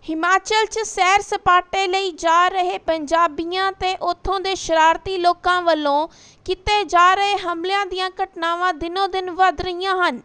ਹਿਮਾਚਲ 'ਚ ਸੈਰ ਸਪਾਟੇ ਲਈ ਜਾ ਰਹੇ ਪੰਜਾਬੀਆਂ ਤੇ ਉੱਥੋਂ ਦੇ ਸ਼ਰਾਰਤੀ ਲੋਕਾਂ ਵੱਲੋਂ ਕੀਤੇ ਜਾ ਰਹੇ ਹਮਲਿਆਂ ਦੀਆਂ ਘਟਨਾਵਾਂ ਦਿਨੋਂ-ਦਿਨ ਵੱਧ ਰਹੀਆਂ ਹਨ।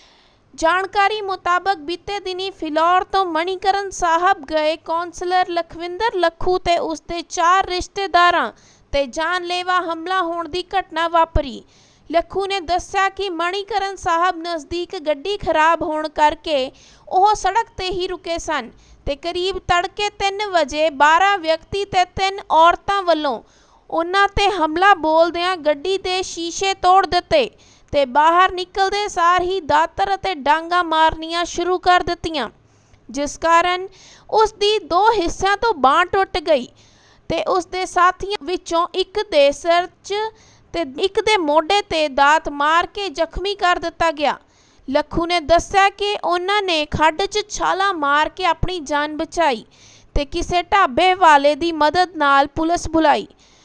ਜਾਣਕਾਰੀ ਮੁਤਾਬਕ ਬੀਤੇ ਦਿਨੀ ਫਿਲੌਰ ਤੋਂ ਮਣੀਕਰਨ ਸਾਹਿਬ ਗਏ ਕੌਂਸਲਰ ਲਖਵਿੰਦਰ ਲੱਖੂ ਤੇ ਉਸਦੇ 4 ਰਿਸ਼ਤੇਦਾਰਾਂ ਤੇ ਜਾਨਲੇਵਾ ਹਮਲਾ ਹੋਣ ਦੀ ਘਟਨਾ ਵਾਪਰੀ। ਲੱਖੂ ਨੇ ਦੱਸਿਆ ਕਿ ਮਣੀਕਰਨ ਸਾਹਿਬ ਨਜ਼ਦੀਕ ਗੱਡੀ ਖਰਾਬ ਹੋਣ ਕਰਕੇ ਉਹ ਸੜਕ ਤੇ ਹੀ ਰੁਕੇ ਸਨ ਤੇ ਕਰੀਬ ਤੜਕੇ 3 ਵਜੇ 12 ਵਿਅਕਤੀ ਤੇ 3 ਔਰਤਾਂ ਵੱਲੋਂ ਉਹਨਾਂ ਤੇ ਹਮਲਾ ਬੋਲਦਿਆਂ ਗੱਡੀ ਦੇ ਸ਼ੀਸ਼ੇ ਤੋੜ ਦਿੱਤੇ ਤੇ ਬਾਹਰ ਨਿਕਲਦੇ ਸਾਰ ਹੀ ਦਾਤਰ ਅਤੇ ਡਾਂਗਾ ਮਾਰਨੀਆਂ ਸ਼ੁਰੂ ਕਰ ਦਿੱਤੀਆਂ, ਜਿਸ ਕਾਰਨ ਉਸ ਦੀ 2 ਹਿੱਸਿਆਂ ਤੋਂ ਬਾਂਹ ਟੁੱਟ ਗਈ ਤੇ ਉਸ ਦੇ ਸਾਥੀਆਂ ਵਿੱਚੋਂ ਇੱਕ ਦੇ ਸਿਰ 'ਚ ਤੇ ਇੱਕ ਦੇ ਮੋਢੇ ਤੇ ਦਾਤ ਮਾਰ ਕੇ ਜ਼ਖਮੀ ਕਰ ਦਿੱਤਾ ਗਿਆ। ਲੱਖੂ ਨੇ ਦੱਸਿਆ ਕਿ ਉਹਨਾਂ ਨੇ ਖੱਡ 'ਚ ਛਾਲਾਂ ਮਾਰ ਕੇ ਆਪਣੀ ਜਾਨ ਬਚਾਈ ਤੇ ਕਿਸੇ ਢਾਬੇ ਵਾਲੇ ਦੀ ਮਦਦ ਨਾਲ ਪੁਲਿਸ ਬੁਲਾਈ।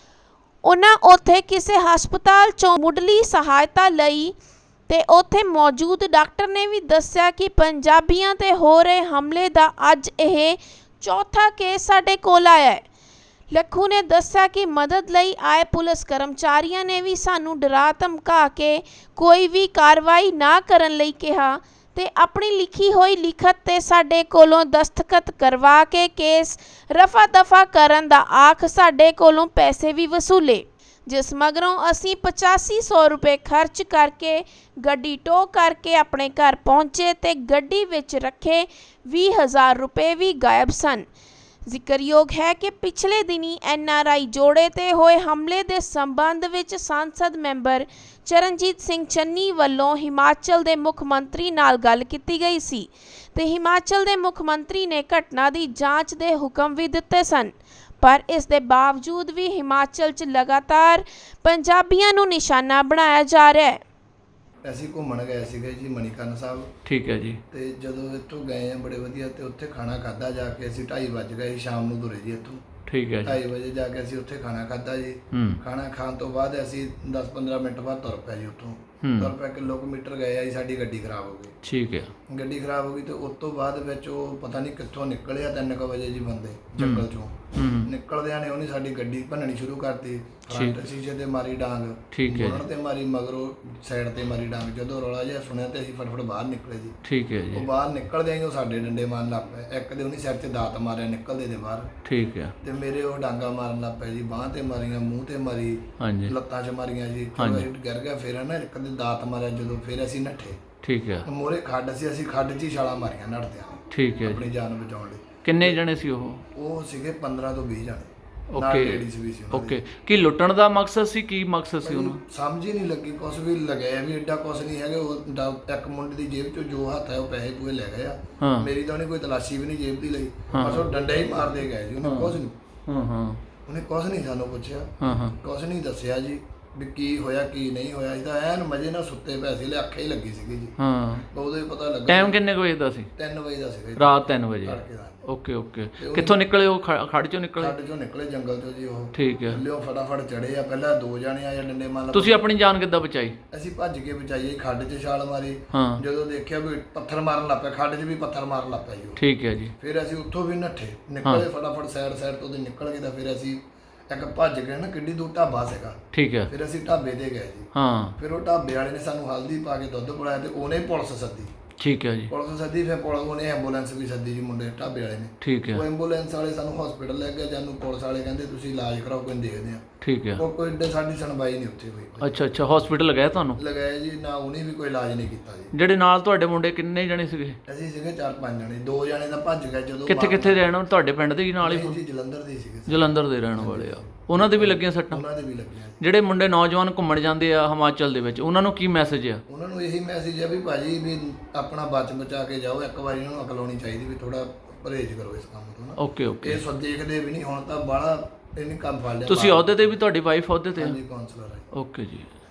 ਉਹਨਾਂ ਉੱਥੇ ਕਿਸੇ ਹਸਪਤਾਲ 'ਚੋਂ ਮੁੱਢਲੀ ਸਹਾਇਤਾ ਲਈ ਤੇ ਉੱਥੇ ਮੌਜੂਦ ਡਾਕਟਰ ਨੇ ਵੀ ਦੱਸਿਆ ਕਿ ਪੰਜਾਬੀਆਂ ਤੇ ਹੋ ਰਹੇ ਹਮਲੇ ਦਾ ਅੱਜ ਇਹ 4ਥਾ ਕੇਸ ਸਾਡੇ ਕੋਲ ਆਇਆ ਹੈ। ਲੱਖੂ ਨੇ ਦੱਸਿਆ ਕਿ ਮਦਦ ਲਈ ਆਏ ਪੁਲਿਸ ਕਰਮਚਾਰੀਆਂ ਨੇ ਵੀ ਸਾਨੂੰ ਡਰਾ ਧਮਕਾ ਕੇ ਕੋਈ ਵੀ ਕਾਰਵਾਈ ਨਾ ਕਰਨ ਲਈ ਕਿਹਾ ਤੇ ਆਪਣੀ ਲਿਖੀ ਹੋਈ ਲਿਖਤ ਤੇ ਸਾਡੇ ਕੋਲੋਂ ਦਸਤਖਤ ਕਰਵਾ ਕੇ ਕੇਸ ਰਫਾ ਦਫਾ ਕਰਨ ਦਾ ਆਖ ਸਾਡੇ ਕੋਲੋਂ ਪੈਸੇ ਵੀ ਵਸੂਲੇ, ਜਿਸ ਮਗਰੋਂ ਅਸੀਂ 8500 ਰੁਪਏ ਖਰਚ ਕਰਕੇ ਗੱਡੀ ਟੋ ਕਰਕੇ ਆਪਣੇ ਘਰ ਪਹੁੰਚੇ ਤੇ ਗੱਡੀ ਵਿੱਚ ਰੱਖੇ 20000 ਰੁਪਏ ਵੀ ਗਾਇਬ ਸਨ। ਜ਼ਿਕਰਯੋਗ ਹੈ ਕਿ ਪਿਛਲੇ ਦਿਨੀ NRI ਜੋੜੇ ਤੇ ਹੋਏ ਹਮਲੇ ਦੇ ਸੰਬੰਧ ਵਿੱਚ ਸੰਸਦ ਮੈਂਬਰ ਚਰਨਜੀਤ ਸਿੰਘ ਚੰਨੀ ਵੱਲੋਂ ਹਿਮਾਚਲ ਦੇ ਮੁੱਖ ਮੰਤਰੀ ਨਾਲ ਗੱਲ ਕੀਤੀ ਗਈ ਸੀ ਤੇ ਹਿਮਾਚਲ ਦੇ ਮੁੱਖ ਮੰਤਰੀ ਨੇ ਘਟਨਾ ਦੀ ਜਾਂਚ ਦੇ ਹੁਕਮ ਵੀ ਦਿੱਤੇ ਸਨ, ਪਰ ਇਸ ਦੇ ਬਾਵਜੂਦ ਵੀ ਹਿਮਾਚਲ 'ਚ ਲਗਾਤਾਰ ਪੰਜਾਬੀਆਂ ਨੂੰ ਨਿਸ਼ਾਨਾ ਬਣਾਇਆ ਜਾ ਰਿਹਾ ਹੈ। ਅਸੀਂ ਘੁੰਮਣ ਗਏ ਸੀਗੇ ਜੀ ਮਣੀਕਰਨ ਸਾਹਿਬ। ਠੀਕ ਹੈ ਜੀ। ਤੇ ਜਦੋਂ ਇੱਥੋਂ ਗਏ ਆ ਬੜੇ ਵਧੀਆ ਤੇ ਉੱਥੇ ਖਾਣਾ ਖਾਧਾ ਜਾ ਕੇ ਅਸੀਂ 2:30 ਵੱਜ ਗਏ ਸ਼ਾਮ ਨੂੰ ਤੁਰੇ ਜੀ ਇੱਥੋਂ। ਠੀਕ ਹੈ ਜੀ। 2:30 ਵਜੇ ਜਾ ਕੇ ਅਸੀਂ ਉੱਥੇ ਖਾਣਾ ਖਾਧਾ ਜੀ। ਖਾਣਾ ਖਾਣ ਤੋਂ ਬਾਅਦ ਅਸੀਂ 10-15 ਮਿੰਟ ਬਾਅਦ ਤੁਰ ਪਏ ਜੀ ਉੱਥੋਂ। ਤੁਰ ਪਏ ਕਿਲੋਮੀਟਰ ਗਏ ਆ ਜੀ, ਸਾਡੀ ਗੱਡੀ ਖਰਾਬ ਹੋ ਗਈ। ਠੀਕ ਹੈ। ਗੱਡੀ ਖਰਾਬ ਹੋ ਗਈ ਤੇ ਉਸ ਤੋਂ ਬਾਅਦ ਵਿੱਚ ਉਹ ਪਤਾ ਨਹੀਂ ਕਿੱਥੋਂ ਨਿਕਲਿਆ 3 ਵਜੇ ਜੀ ਬੰਦੇ ਜੰਗਲ ਚੋਂ ਨਿਕਲਦਿਆਂ ਨੇ ਉਹਨੇ ਸਾਡੀ ਗੱਡੀ ਭੰਨਣੀ ਸ਼ੁਰੂ ਕਰਤੀ। ਫਰੰਟ ਸ਼ੀਸ਼ੇ ਤੇ ਮਾਰੀ ਡਾਂਗ, ਉਹਨਾਂ ਤੇ ਮਾਰੀ, ਮਗਰੋਂ ਸਾਈਡ ਤੇ ਮਾਰੀ ਡਾਂਗ। ਜਦੋਂ ਰੌਲਾ ਜਿਹਾ ਸੁਣਿਆ ਤੇ ਅਸੀਂ ਫਟਫਟ ਬਾਹਰ ਨਿਕਲੇ ਜੀ। ਠੀਕ ਹੈ ਜੀ। ਉਹ ਬਾਹਰ ਨਿਕਲਦੇ ਹੀ ਉਹ ਸਾਡੇ ਡੰਡੇ ਮਾਰਨ ਲੱਗ ਪਏ। ਇੱਕ ਦੇ ਉਹਨੇ ਸਿਰ ਤੇ ਦਾਤ ਮਾਰਿਆ ਨਿਕਲਦੇ ਦੇ ਬਾਹਰ। ਠੀਕ ਹੈ। ਤੇ ਮੇਰੇ ਉਹ ਡਾਂਗਾ ਮਾਰਨ ਲੱਗ ਪਏ ਜੀ, ਬਾਂਹ ਤੇ ਮਾਰੀਆਂ, ਮੂੰਹ ਤੇ ਮਾਰੀ, ਲੱਤਾਂ 'ਚ ਮਾਰੀਆਂ ਜੀ। ਗਿਰ ਗਿਆ। ਫਿਰ ਨਾ ਇੱਕ ਦੇ ਦਾਤ ਮਾਰਿਆ ਜਦੋਂ, ਫਿਰ ਅਸੀਂ ਨੱਠੇ। ਠੀਕ ਹੈ। ਮੋਰੇ ਖੱਡ ਸੀ, ਅਸੀਂ ਖੱਡ 'ਚ ਹੀ ਛਾਲਾਂ ਮਾਰੀਆਂ ਨੱਠਦਿਆਂ। ਠੀਕ ਹੈ। ਆਪਣੀ ਜਾਨ ਬਚਾਉਣ ਲਈ। ਕਿੰਨੇ ਜਣੇ ਸੀ ਉਹ? ਉਹ ਸੀਗੇ 15 ਤੋਂ 20 ਜਣੇ। ਓਕੇ। ਕੀ ਲੁੱਟਣ ਦਾ ਮਕਸਦ ਸੀ? ਕੀ ਮਕਸਦ ਸੀ ਉਹਨੂੰ? ਸਮਝ ਹੀ ਨਹੀਂ ਲੱਗੀ। ਕੁਛ ਵੀ ਲਗਾਇਆ ਵੀ ਐਡਾ ਕੁਛ ਨਹੀਂ ਹੈਗਾ। ਉਹ ਇੱਕ ਮੁੰਡੇ ਦੀ ਜੇਬ 'ਚੋਂ ਜੋ ਹੱਥ ਹੈ ਉਹ ਪੈਸੇ ਪੂਏ ਲੈ ਗਏ ਆ। ਮੇਰੀ ਤਾਂ ਉਹਨੇ ਕੋਈ ਤਲਾਸ਼ੀ ਵੀ ਨਹੀਂ ਜੇਬ ਦੀ ਲਈ, ਬਸ ਉਹ ਡੰਡਾ ਹੀ ਮਾਰਦੇ ਗਏ ਜੀ। ਉਹਨੇ ਕੁਛ ਨਹੀਂ ਉਹਨੇ ਕੁਛ ਨਹੀਂ ਸਾਨੂੰ ਪੁੱਛਿਆ, ਕੁਛ ਨਹੀਂ ਦੱਸਿਆ ਜੀ ਵੀ ਕੀ ਹੋਇਆ ਕੀ ਨਹੀਂ ਹੋਇਆ। ਅਸੀਂ ਤਾਂ ਐਨ ਮਜ਼ੇ ਨਾਲ ਸੁੱਤੇ ਪਏ ਸੀ, ਅੱਖਾਂ ਹੀ ਲੱਗੀ ਸੀਗੀ ਜੀ। ਉਦੋਂ ਹੀ ਪਤਾ ਲੱਗਾ। ਟਾਈਮ ਕਿੰਨੇ ਵਜੇ ਦਾ ਸੀ? 3 ਵਜੇ ਦਾ ਸੀਗਾ, ਰਾਤ 3 ਵਜੇ। ਓਕੇ। ਕਿੱਥੋਂ ਨਿਕਲੇ ਉਹ? ਖੱਡ ਚੋਂ ਨਿਕਲੇ? ਖੱਡ ਚੋਂ ਨਿਕਲੇ, ਜੰਗਲ ਚੋਂ ਜੀ ਉਹ। ਠੀਕ ਹੈ। ਲਿਓ ਫਟਾਫਟ ਚੜੇ ਆ। ਪਹਿਲਾਂ 2 ਜਣੇ ਆਏ ਡੰਡੇ ਮਾਰ। ਤੁਸੀਂ ਆਪਣੀ ਜਾਨ ਕਿੱਦਾਂ ਬਚਾਈ? ਅਸੀਂ ਭੱਜ ਕੇ ਬਚਾਈ। ਖੱਡ 'ਚ ਛਾਲ ਮਾਰੀ। ਜਦੋਂ ਦੇਖਿਆ ਵੀ ਪੱਥਰ ਮਾਰਨ ਲੱਗ ਪਿਆ, ਖੱਡ 'ਚ ਵੀ ਪੱਥਰ ਮਾਰਨ ਲੱਗ ਪਿਆ ਜੀ। ਠੀਕ ਹੈ ਜੀ। ਫਿਰ ਅਸੀਂ ਉੱਥੋਂ ਵੀ ਨੱਠੇ, ਨਿਕਲੇ ਫਟਾਫਟ ਸਾਈਡ ਤੋਂ ਨਿਕਲ ਗਏ। ਤਾਂ ਫਿਰ ਅਸੀਂ ਇੱਕ ਭੱਜ ਗਏ ਨਾ, ਕਿੱਡੀ ਦੂਰ ਢਾਬਾ ਸੀਗਾ। ਠੀਕ ਹੈ। ਫਿਰ ਅਸੀਂ ਢਾਬੇ ਤੇ ਗਏ ਜੀ। ਫਿਰ ਉਹ ਢਾਬੇ ਵਾਲੇ ਨੇ ਸਾਨੂੰ ਹਲਦੀ ਪਾ ਕੇ ਦੁੱਧ ਪਿਲਾਇਆ ਤੇ ਉਹਨੇ ਪੁਲਿਸ ਸੱਦੀ। ਠੀਕ ਹੈ ਜੀ। ਪੁਲਿਸ ਸੱਦੀ, ਫਿਰ ਉਹਨੇ ਐਂਬੂਲੈਂਸ ਵੀ ਸੱਦੀ ਜੀ, ਮੁੰਡੇ ਢਾਬੇ ਵਾਲੇ ਨੇ। ਠੀਕ ਹੈ। ਉਹ ਐਂਬੂਲੈਂਸ ਵਾਲੇ ਸਾਨੂੰ ਹਸਪੀਟਲ ਲੈ ਗਏ। ਜਾਨੂੰ ਪੁਲਿਸ ਵਾਲੇ ਕਹਿੰਦੇ ਤੁਸੀਂ ਇਲਾਜ ਕਰਾਓ, ਕੋਈ ਦੇਖਦੇ ਆ। ਠੀਕ ਹੈ। ਕੋਈ ਏਡੇ ਸਾਡੀ ਸੁਣਵਾਈ ਨਹੀਂ ਉੱਥੇ ਹੋਈ। ਅੱਛਾ। ਹਸਪੀਟਲ ਲਗਾਇਆ ਤੁਹਾਨੂੰ? ਲਗਾਇਆ ਜੀ। ਨਾ ਉਹਨੇ ਵੀ ਕੋਈ ਇਲਾਜ ਨਹੀਂ ਕੀਤਾ ਜੀ। ਜਿਹੜੇ ਨਾਲ ਤੁਹਾਡੇ ਮੁੰਡੇ ਕਿੰਨੇ ਜਣੇ ਸੀਗੇ? ਅਸੀਂ ਸੀਗੇ 4-5 ਜਣੇ। 2 ਜਣੇ ਤਾਂ ਭੱਜ ਗਏ। ਜਦੋਂ ਕਿੱਥੇ ਰਹਿਣ? ਤੁਹਾਡੇ ਪਿੰਡ ਦੇ ਨਾਲ ਹੀ? ਜੀ ਜਲੰਧਰ ਦੇ ਸੀਗੇ। ਜਲੰਧਰ ਦੇ ਰਹਿਣ ਵਾਲੇ ਆ। ਉਹਨਾਂ ਦੇ ਵੀ ਲੱਗੀਆਂ ਸੱਟਾਂ? ਉਹਨਾਂ ਦੇ ਵੀ ਲੱਗੀਆਂ। ਜਿਹੜੇ ਮੁੰਡੇ ਨੌਜਵਾਨ ਘੁੰਮਣ ਜਾਂਦੇ ਆ ਹਿਮਾਚਲ ਦੇ ਵਿੱਚ, ਉਹਨਾਂ ਨੂੰ ਕੀ ਮੈਸੇਜ ਆ? ਉਹਨਾਂ ਨੂੰ ਇਹੀ ਮੈਸੇਜ ਆ ਵੀ ਭਾਜੀ ਵੀ ਆਪਣਾ ਬਚਾ ਕੇ ਜਾਓ। ਇੱਕ ਵਾਰੀ ਉਹਨਾਂ ਨੂੰ ਅਕਲ ਆਉਣੀ ਚਾਹੀਦੀ ਵੀ ਥੋੜਾ ਪਰਹੇਜ਼ ਕਰੋ ਇਸ ਕੰਮ ਤੋਂ ਨਾ। ਓਕੇ। ਇਹ ਸਭ ਦੇਖਦੇ ਵੀ ਨਹੀਂ ਹੁਣ ਤਾਂ ਬਾਹਲਾ ਇਹਨੇ ਕੰਮ ਫੜ ਲਿਆ। ਤੁਸੀਂ ਅਹੁਦੇ ਤੇ ਵੀ? ਤੁਹਾਡੀ ਵਾਈਫ ਅਹੁਦੇ ਤੇ? ਹਾਂਜੀ, ਕਾਉਂਸਲਰ ਹੈ। ਓਕੇ ਜੀ।